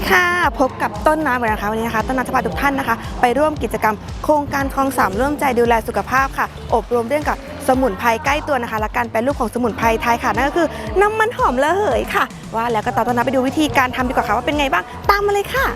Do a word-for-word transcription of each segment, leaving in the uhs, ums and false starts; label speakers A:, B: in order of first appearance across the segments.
A: ค่ะพบกับต้นน้ำกันนะคะวันนี้นะคะต้นน้ำจะพาทุกท่านนะคะไปร่วมกิจกรรมโครงการคลองสามร่วมใจดูแลสุขภาพค่ะอบรมเรื่องกับสมุนไพรใกล้ตัวนะคะและการแปรรูปของสมุนไพรไทยค่ะนั่นก็คือน้ำมันหอมระเหยค่ะว่าแล้วก็ต่อต้นน้ำไปดูวิธีการทำดีกว่าค่ะว่าเป็นไงบ้างตามมาเลยค่ะ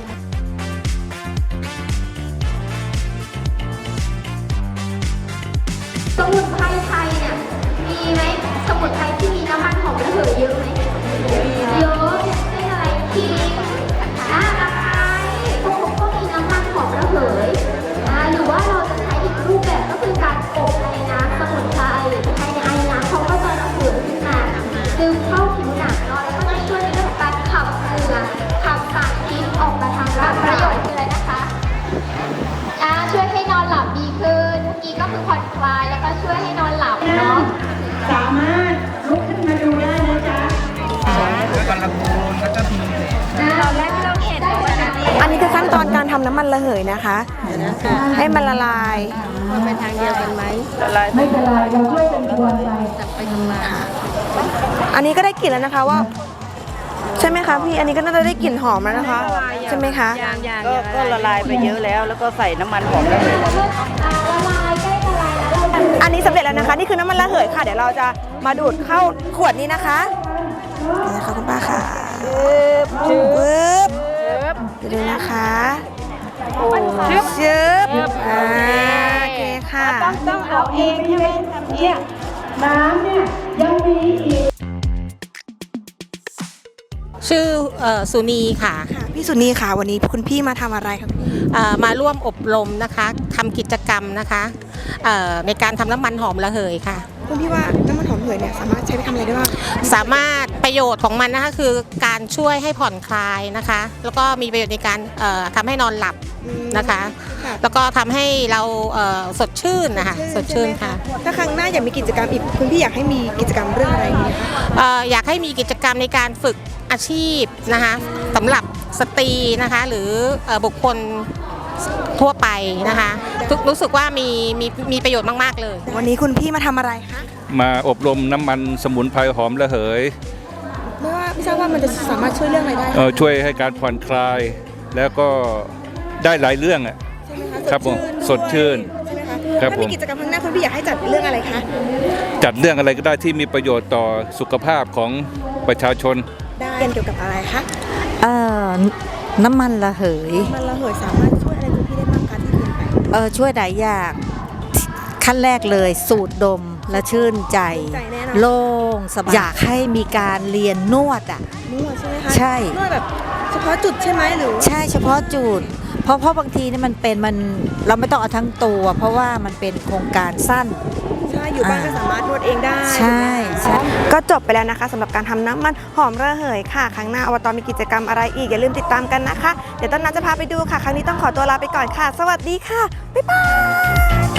B: สมุนไพรไทยเนี่ยมีไหมสมุนไพรที่มีน้ำมันหอมระเหยเยอะไหมเยอะเป็นอะไรขิงอ่าตะไคร้พวกก็มีน้ำมันหอมระเหยอ่าหรือว่าเราจะใช้อีกรูปแบบก็คือการอบในน้ำสมุนไพรภายในไอ้น้ำเขาก็จะระเหยขึ้นมาซึมเข้าผิวหนังเนาะแล้วก็จะช่วยในเรื่องของการขับเหงื่อขับสารพิษออกมาทางร่างกายประโยชน์คืออะไรนะคะอ่าช่วยให้นอนหลับดีขึ้นเมื่อกี้ก็คือผ่อนคลายแล้วก็ช่วยให้นอนหลับเนาะ
C: สามารถลุกขึ้นมาดูได้นะจ๊ะ
D: แล้วก็ละโคนแล้วก็มี
B: ตอนแรกที่เราเห็น
A: อันนี้คือขั้นตอนการทำน้ำมันระเหยนะคะให้มันละลาย
C: ไม่เป็นไรเราช่วยเป็นตัวไปไปทำงาน
A: อันนี้ก็ได้กลิ่นแล้วนะคะว่าใช่ไหมคะพี่อันนี้ก็น่าจะได้กลิ่นหอมแล้วนะคะใช่ไหมคะ
C: ก็ก็ละลายไปเยอะแล้วแล้วก็ใส่น้ำมันหอมระเหย
B: ละลายใกล้ละลายแล้ว
A: อันนี้สำเร็จแล้วนะคะนี่คือน้ำมันระเหยค่ะเดี๋ยวเราจะมาดูดเข้าขวดนี้นะคะนี่นะคะคุณป้าค่ะปึ๊บดูนะคะชึบอ่าโอเคค่ะ
C: ต้องต้องเอาเองใช่ไหมทำเนี่ยน้ำเนี่ยยังมีอีก
E: ชื่อสุนีค่ะ
A: ค่ะพี่สุนีค่ะวันนี้คุณพี่มาทำอะไรครับ
E: มาร่วมอบรมนะคะทำกิจกรรมนะคะในการทำน้ำมันหอมระเหยค่ะ
A: คุณพี่ว่าน้ำมันหอมระเหยเนี่ยสามารถใช้ไปทำอะไรได้บ้าง
E: สามารถประโยชน์ของมันนะคะคือการช่วยให้ผ่อนคลายนะคะแล้วก็มีประโยชน์ในการทำให้นอนหลับนะคะแล้วก็ทำให้เราสดชื่นนะคะสดชื่นค่ะ
A: ถ้าครั้งหน้าอยากมีกิจกรรมอีกคุณพี่อยากให้มีกิจกรรมเรื่องอะไรไหมคะ
E: อยากให้มีกิจกรรมในการฝึกอาชีพนะคะสำหรับสตรีนะคะหรือบุคคลทั่วไปนะคะรู้สึกว่ามีมีมีประโยชน์มากๆเลย
A: วันนี้คุณพี่มาทำอะไรคะ
D: มาอบรมน้ำมันสมุนไพรหอมระเหย
A: ไม่ว่าไม่ทราบว่ามันจะสามารถช่วยเรื่องอะไรได้
D: เออช่วยให้การผ่อนคลายแล้วก็ได้หลายเรื่องอ่ะครับผมสดชื่น
A: ใช่ไหมคะถ้ามีกิจกรรมครั้งหน้าคุณพี่อยากให้จัดเรื่องอะไรคะ
D: จัดเรื่องอะไรก็ได้ที่มีประโยชน์ต่อสุขภาพของประชาชน
A: ได้เกี่ยวกับอะไรคะ
F: เอ่อน้ำมันระเหย
A: น้ำมันระเหยสามารถช่วยอะไรคุณพี่ได้บ้างคะที่คุณไป
F: เออช่วยหลายอย่างขั้นแรกเลยสูดดมและชื่นใจโล่งสบายอยากให้มีการเรียนนวดอ่ะ
A: นวดใช่ไหมคะ
F: ใช่
A: นวดแบบเฉพาะจุดใช่ไหมหรือ
F: ใช่เฉพาะจุดเพราะเพราะบางทีนี่มันเป็นมันเราไม่ต้องเอาทั้งตัวเพราะว่ามันเป็นโครงการสั้น
A: ใช่อยู่บ้านก็สามารถนวดเองได้
F: ใช่ใช่
A: ก็จบไปแล้วนะคะสำหรับการทำน้ำมันหอมระเหยค่ะครั้งหน้าอบต.มีกิจกรรมอะไรอีกอย่าลืมติดตามกันนะคะเดี๋ยวต้นน้ำจะพาไปดูค่ะครั้งนี้ต้องขอตัวลาไปก่อนค่ะสวัสดีค่ะบ๊ายบาย